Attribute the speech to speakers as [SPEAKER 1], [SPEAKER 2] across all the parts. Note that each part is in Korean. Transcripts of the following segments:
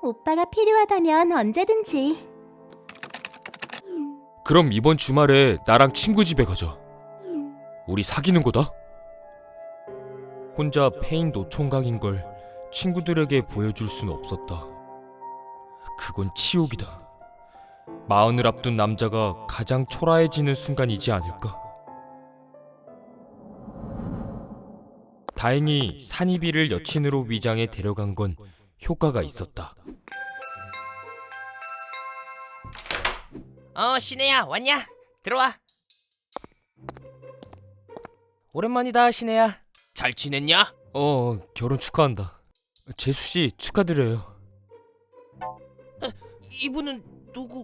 [SPEAKER 1] 오빠가 필요하다면 언제든지.
[SPEAKER 2] 그럼 이번 주말에 나랑 친구 집에 가자. 우리 사귀는 거다. 혼자 페인 노총각인 걸 친구들에게 보여줄 순 없었다. 그건 치욕이다. 마흔을 앞둔 남자가 가장 초라해지는 순간이지 않을까? 다행히 산이비를 여친으로 위장해 데려간 건 효과가 있었다.
[SPEAKER 3] 신혜야, 왔냐? 들어와. 오랜만이다, 신혜야. 잘 지냈냐?
[SPEAKER 2] 결혼 축하한다. 재수씨 축하드려요.
[SPEAKER 3] 이분은 누구?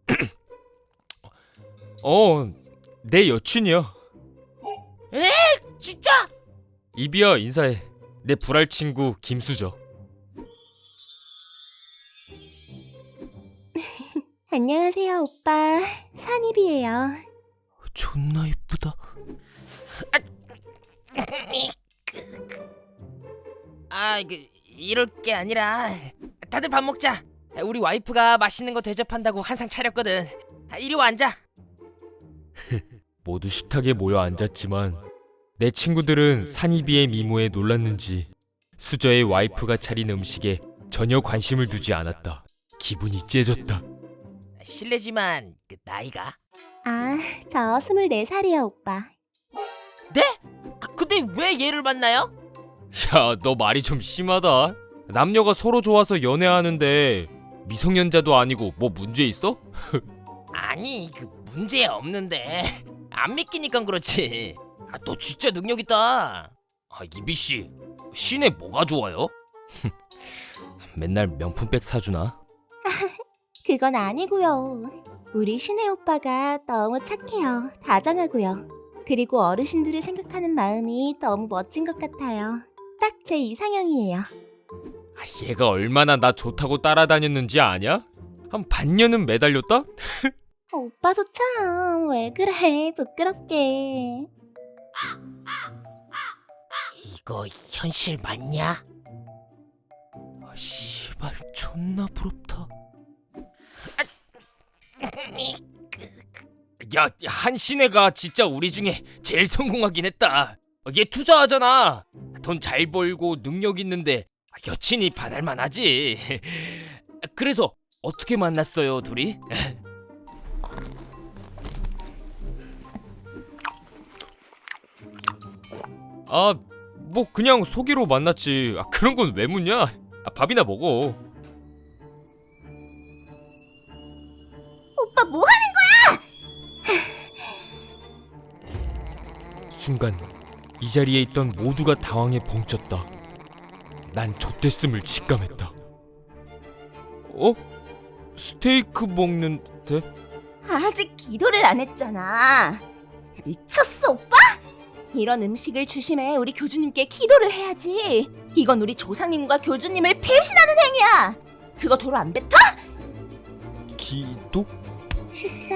[SPEAKER 2] 내 여친이야.
[SPEAKER 3] 에? 진짜?
[SPEAKER 2] 이비야, 인사해. 내 불알 친구 김수저.
[SPEAKER 1] 안녕하세요, 오빠. 산이비예요.
[SPEAKER 2] 존나 이쁘다.
[SPEAKER 3] 이럴 게 아니라 다들 밥 먹자. 우리 와이프가 맛있는 거 대접한다고 한상 차렸거든. 이리 와 앉아.
[SPEAKER 2] 모두 식탁에 모여 앉았지만 내 친구들은 산이비의 미모에 놀랐는지 수저의 와이프가 차린 음식에 전혀 관심을 두지 않았다. 기분이 째졌다.
[SPEAKER 3] 실례지만 나이가?
[SPEAKER 1] 저 24살이요, 오빠.
[SPEAKER 3] 네? 근데 왜 얘를 만나요?
[SPEAKER 2] 야, 너 말이 좀 심하다. 남녀가 서로 좋아서 연애하는데 미성년자도 아니고 뭐 문제 있어?
[SPEAKER 3] 아니, 문제 없는데 안 믿기니까 그렇지. 너 진짜 능력 있다. 이비씨, 신혜 뭐가 좋아요?
[SPEAKER 2] 맨날 명품백 사주나?
[SPEAKER 1] 그건 아니고요. 우리 신혜 오빠가 너무 착해요. 다정하고요. 그리고 어르신들을 생각하는 마음이 너무 멋진 것 같아요. 딱 제 이상형이에요.
[SPEAKER 2] 얘가 얼마나 나 좋다고 따라다녔는지 아냐? 한 반년은 매달렸다?
[SPEAKER 1] 오빠도 참 왜 그래, 부끄럽게.
[SPEAKER 3] 이거 현실 맞냐?
[SPEAKER 2] 씨발, 존나 부럽다. 야, 한신혜가 진짜 우리 중에 제일 성공하긴 했다. 얘 투자하잖아. 돈 잘 벌고 능력 있는데 여친이 반할만 하지. 그래서 어떻게 만났어요, 둘이? 뭐 그냥 소개로 만났지. 그런 건 왜 묻냐? 밥이나 먹어.
[SPEAKER 1] 오빠 뭐 하는
[SPEAKER 2] 순간 이 자리에 있던 모두가 당황해 벙쪘다. 난 좆됐음을 직감했다. 스테이크 먹는데?
[SPEAKER 1] 아직 기도를 안 했잖아. 미쳤어, 오빠? 이런 음식을 주심해 우리 교주님께 기도를 해야지. 이건 우리 조상님과 교주님을 배신하는 행위야. 그거 도로 안 뱉어?
[SPEAKER 2] 기도?
[SPEAKER 1] 식사